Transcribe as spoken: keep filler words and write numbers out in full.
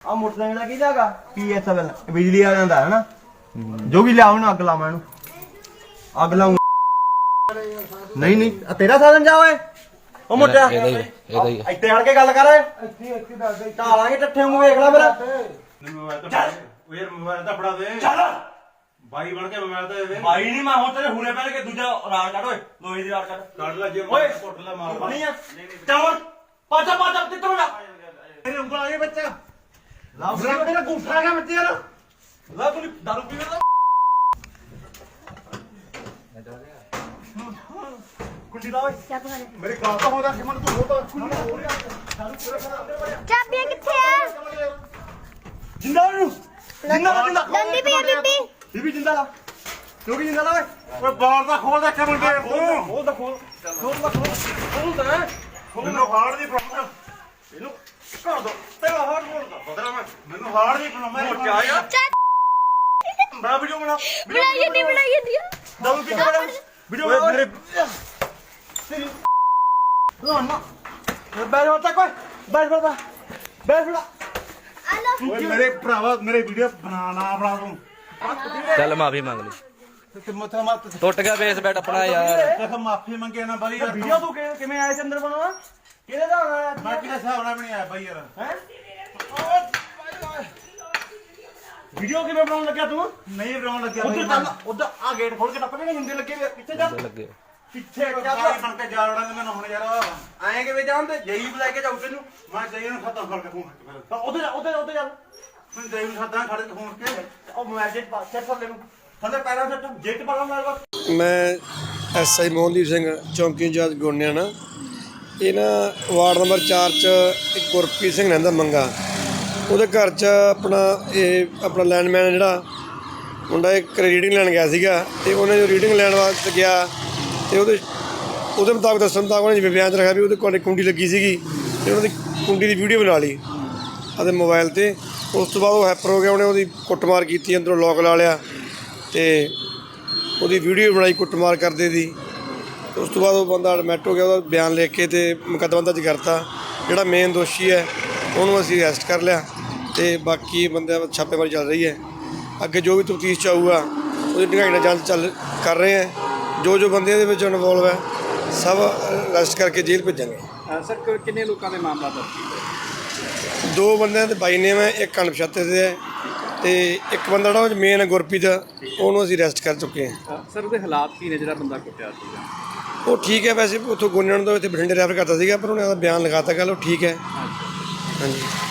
ਆ ਮੋਟਰਸਾਈਕਲ ਕਿਹਦਾ ਹੈਗਾ ਪੀ ਐਸ ਐਲ ਬਿਜਲੀ ਵਾਲਿਆਂ ਦਾ ਹੈ ਨਾ ਜੋ ਵੀ ਲਿਆਉਣ ਅੱਗ ਲਾਵਾਂ ਇਹਨੂੰ ਅੱਗ ਲਾਉਂ ਨਹੀਂ ਨਹੀਂ ਤੇਰਾ ਸਾਧਨ ਜਾ ਓਏ ਉਹ ਮੋਟਿਆ ਇਹਦਾ ਹੀ ਇਹਦਾ ਹੀ ਇੱਥੇ ਆਣ ਕੇ ਗੱਲ ਕਰ ਇੱਥੇ ਇੱਥੇ ਦੱਸ ਦੇ ਢਾਲਾਂਗੇ ਟੱਠੇ ਨੂੰ ਵੇਖ ਲੈ ਮੇਰਾ ਮੋਬਾਈਲ ਤਾਂ ਉਹ ਯਾਰ ਮੋਬਾਈਲ ਤਾਂ ਫੜਾ ਦੇ ਚੱਲ ਬਾਈ ਬਣ ਕੇ ਮੋਬਾਈਲ ਤਾਂ ਦੇ ਦੇ ਭਾਈ ਨਹੀਂ ਮੈਂ ਹੁਣ ਤੇਰੇ ਹੁਣੇ ਪਹਿਲ ਕੇ ਦੂਜਾ ਰਾੜ ਕੱਢ ਓਏ ਲੋਹੇ ਦੀ ਰਾੜ ਕੱਢ ਕੱਢ ਲੈ ਜੇ ਓਏ ਕੁੱਟ ਲੈ ਮਾਰ ਨਹੀਂ ਆ ਚੱਲ ਪਾਚਾ ਪਾਚਾ ਤੇ ਤੋੜਾ ਮੇਰੇ ਉਂਗਲ ਆ ਗਏ ਬੱਚਾ ਲਾ ਮੇਰਾ ਗੁੱਠਾ ਗਿਆ ਬੱਚੇ ਯਾਰ ਲਾ ਤੂੰ ਦਾਰੂ ਪੀਵੇ ਦਾ ਕੁੰਡੀ ਲਾ ਓਏ ਮੇਰੇ ਗਾਲ ਤਾਂ ਹੋਦਾ ਸਿਮਨ ਤੂੰ ਹੋਦਾ ਚਾਬੀਆਂ ਕਿੱਥੇ ਆ ਜਿੰਦਾ ਨੂੰ ਜਿੰਦਾ ਲਾ ਜਿੰਦਾ ਦੰਦੀ ਪਈ ਆ ਬੀਬੀ ਬੀਬੀ ਜਿੰਦਾ ਲਾ ਤੂੰ ਵੀ ਜਿੰਦਾ ਲਾ ਓਏ ਓਏ ਬਾਹਰ ਦਾ ਖੋਲ ਦੇ ਕਿਵੇਂ ਦੇ ਤੂੰ ਖੋਲ ਦਾ ਖੋਲ ਖੋਲ ਦਾ ਖੋਲ ਖੋਲ ਦਾ ਮੈਨੂੰ ਹਾਰਡ ਦੀ ਪ੍ਰੋਬਲਮ ਇਹਨੂੰ ਕਰ ਦੋ ਤੇਰਾ ਹਾਰ ਬੋਲ ਦਾ ਬਦਲਾ ਮੈਂ ਮੈਨੂੰ ਹਾਰਡ ਦੀ ਪ੍ਰੋਬਲਮ ਹੈ ਮੋਟਿਆ ਆ ਬਣਾ ਵੀਡੀਓ ਬਣਾ ਬਣਾਈ ਜਾਂਦੀ ਬਣਾਈ ਜਾਂਦੀ ਆ ਦਾਰੂ ਪੀ ਕੇ ਬਣਾ ਵੀਡੀਓ ਬਣਾ ਮੇਰੇ ਤੇਰੀ ਨਾ ਨਾ ਬੈਠ ਹੋ ਤੱਕ ਓਏ ਬੈਠ ਬੈਠ ਬੈਠ ਬੈਠ ਆ ਲੋ ਓਏ ਮੇਰੇ ਭਰਾਵਾ ਮੇਰੇ ਵੀਡੀਓ ਬਣਾ ਨਾ ਬਣਾ ਤੂੰ ਚੱਲ ਮਾਫੀ ਮੰਗ ਲਈ ਤੇ ਮੱਥਾ ਮੱਤ ਟੁੱਟ ਗਿਆ ਬੇਸ ਬੈਟ ਆਪਣਾ ਯਾਰ ਦੇਖ ਮਾਫੀ ਮੰਗੇ ਨਾ ਬਲੀ ਯਾਰ ਵੀਡੀਓ ਤੂੰ ਕਿ- ਕਿਵੇਂ ਆਇਆ ਚੰਦਰ ਬਣਾਵਾ ਕਿਹਦੇ ਦਾ ਆਇਆ ਬਾਕੀ ਦਾ ਹਿਸਾਬ ਨਾਲ ਵੀ ਨਹੀਂ ਆਇਆ ਬਾਈ ਯਾਰ ਹੈ ਵੀਡੀਓ ਕਿਵੇਂ ਬਣਾਉਣ ਲੱਗਿਆ ਤੂੰ ਨਹੀਂ ਬਣਾਉਣ ਲੱਗਿਆ ਉਧਰ ਚੱਲ ਉਧਰ ਆ ਗੇਟ ਖੋਲ ਕੇ ਟੱਪ ਕੇ ਹਿੰਦੇ ਲੱਗੇ ਵੇ ਪਿੱਛੇ ਜਾ ਲੱਗੇ ਪਿੱਛੇ ਜਾ ਬਾਈ ਬਣ ਕੇ ਜਾ ਵੜਾ ਤੇ ਮੈਨੂੰ ਹੁਣ ਯਾਰ ਆਏ ਕਿਵੇਂ ਜਾਂਦੇ ਜਈ ਬੁਲਾ ਕੇ ਜਾਉ ਤੈਨੂੰ ਮੈਂ ਜਾਈ ਨੂੰ ਖਤਮ ਕਰਕੇ ਫੋਨ ਕਰ ਉਧਰ ਉਧਰ ਉਧਰ ਜਾ ਮੈਂ ਜਾਈ ਨੂੰ ਖਤਮ ਖੜ ਕੇ ਫੋਨ ਕੇ ਉਹ ਮੈਜਿਕ ਪਾ ਚੈੱਕ ਕਰ ਲੈ ਨੂੰ ਥੱਲੇ ਪੈਰਾਂ ਸੱਟ ਜੇਟ ਪਾ ਲਾ ਮੇਰੇ ਮੈਂ ਐਸ ਆਈ ਮੋਹਨਦੀਪ ਸਿੰਘ ਚੌਂਕੀ ਇੰਚਾਰਜ ਗੋਨਿਆਣਾ ਇਹ ਨਾ ਵਾਰਡ ਨੰਬਰ ਚਾਰ 'ਚ ਇੱਕ ਗੁਰਪ੍ਰੀਤ ਸਿੰਘ ਰਹਿੰਦਾ ਮੰਗਾ ਉਹਦੇ ਘਰ 'ਚ ਆਪਣਾ ਇਹ ਆਪਣਾ ਲੈਂਡਮੈਨ ਜਿਹੜਾ ਮੁੰਡਾ ਇੱਕ ਰੀਡਿੰਗ ਲੈਣ ਗਿਆ ਸੀਗਾ ਤੇ ਉਹਨੇ ਜੋ ਰੀਡਿੰਗ ਲੈਣ ਵਾਸਤੇ ਗਿਆ ਤੇ ਉਹਦੇ ਉਹਦੇ ਮੁਤਾਬਕ ਦੱਸਣ ਮੁਤਾਬਕ ਉਹਨੇ ਜਿਵੇਂ ਬਿਆਨ 'ਚ ਰੱਖਿਆ ਵੀ ਉਹਦੇ ਕੋਲ ਕੁੰਡੀ ਲੱਗੀ ਸੀਗੀ ਤੇ ਉਹਨਾਂ ਦੀ ਕੁੰਡੀ ਦੀ ਵੀਡੀਓ ਬਣਾ ਲਈ ਆਪਣੇ ਮੋਬਾਈਲ 'ਤੇ ਉਸ ਤੋਂ ਬਾਅਦ ਉਹ ਹੈਪਰ ਹੋ ਗਿਆ ਉਹਨੇ ਉਹਦੀ ਕੁੱਟਮਾਰ ਕੀਤੀ ਅੰਦਰੋਂ ਲੋਕ ਲਾ ਲਿਆ ਤੇ ਉਹਦੀ ਵੀਡੀਓ ਬਣਾਈ ਕੁੱਟਮਾਰ ਕਰਦੇ ਦੀ ਉਸ ਤੋਂ ਬਾਅਦ ਉਹ ਬੰਦਾ ਐਡਮਿਟ ਹੋ ਗਿਆ ਉਹਦਾ ਬਿਆਨ ਲਿਖ ਕੇ ਤੇ ਮੁਕੱਦਮਾ ਦਰਜ ਕਰਤਾ ਜਿਹੜਾ ਮੇਨ ਦੋਸ਼ੀ ਹੈ ਉਹਨੂੰ ਅਸੀਂ ਅਰੈਸਟ ਕਰ ਲਿਆ ਤੇ ਬਾਕੀ ਬੰਦਿਆਂ ਛਾਪੇਮਾਰੀ ਚੱਲ ਰਹੀ ਹੈ ਅੱਗੇ ਜੋ ਵੀ ਤਫਤੀਸ਼ 'ਚ ਆਊਗਾ ਉਹਦੀ ਢੰਗਾਈ ਨਾਲ ਜਾਂਚ ਚੱਲ ਕਰ ਰਹੇ ਹੈ ਜੋ ਜੋ ਬੰਦੇ ਇਹਦੇ ਵਿੱਚ ਇਨਵੋਲਵ ਹੈ ਸਭ ਅਰੈਸਟ ਕਰਕੇ ਜੇਲ੍ਹ ਭੇਜਾਂਗੇ ਸਰ ਕਿੰਨੇ ਲੋਕਾਂ ਦੇ ਮਾਮਲਾ ਦਰਜ ਕੀਤਾ ਦੋ ਬੰਦਿਆਂ ਦੇ ਬਾਈ ਨੇਮ ਹੈ ਇੱਕ ਅਣਪਛਾਤੇ ਦੇ ਹੈ ਤੇ ਇੱਕ ਬੰਦਾ ਜਿਹੜਾ ਮੇਨ ਹੈ ਗੁਰਪ੍ਰੀਤ ਉਹਨੂੰ ਅਸੀਂ ਅਰੈਸਟ ਕਰ ਚੁੱਕੇ ਹਾਂ ਸਰ ਉਹਦੇ ਹਾਲਾਤ ਕੀ ਨੇ ਜਿਹੜਾ ਬੰਦਾ ਕੁੱਟਿਆ ਸੀਗਾ ਉਹ ਠੀਕ ਹੈ ਵੈਸੇ ਉੱਥੋਂ ਗੋਨਿਆਣਾ ਤੋਂ ਇੱਥੇ ਬਠਿੰਡੇ ਰੈਫਰ ਕਰਤਾ ਸੀਗਾ ਪਰ ਉਹਨੇ ਉਹਦਾ ਬਿਆਨ ਲਿਖਾਤਾ ਕੱਲ੍ਹ ਉਹ ਠੀਕ ਹੈ ਹਾਂਜੀ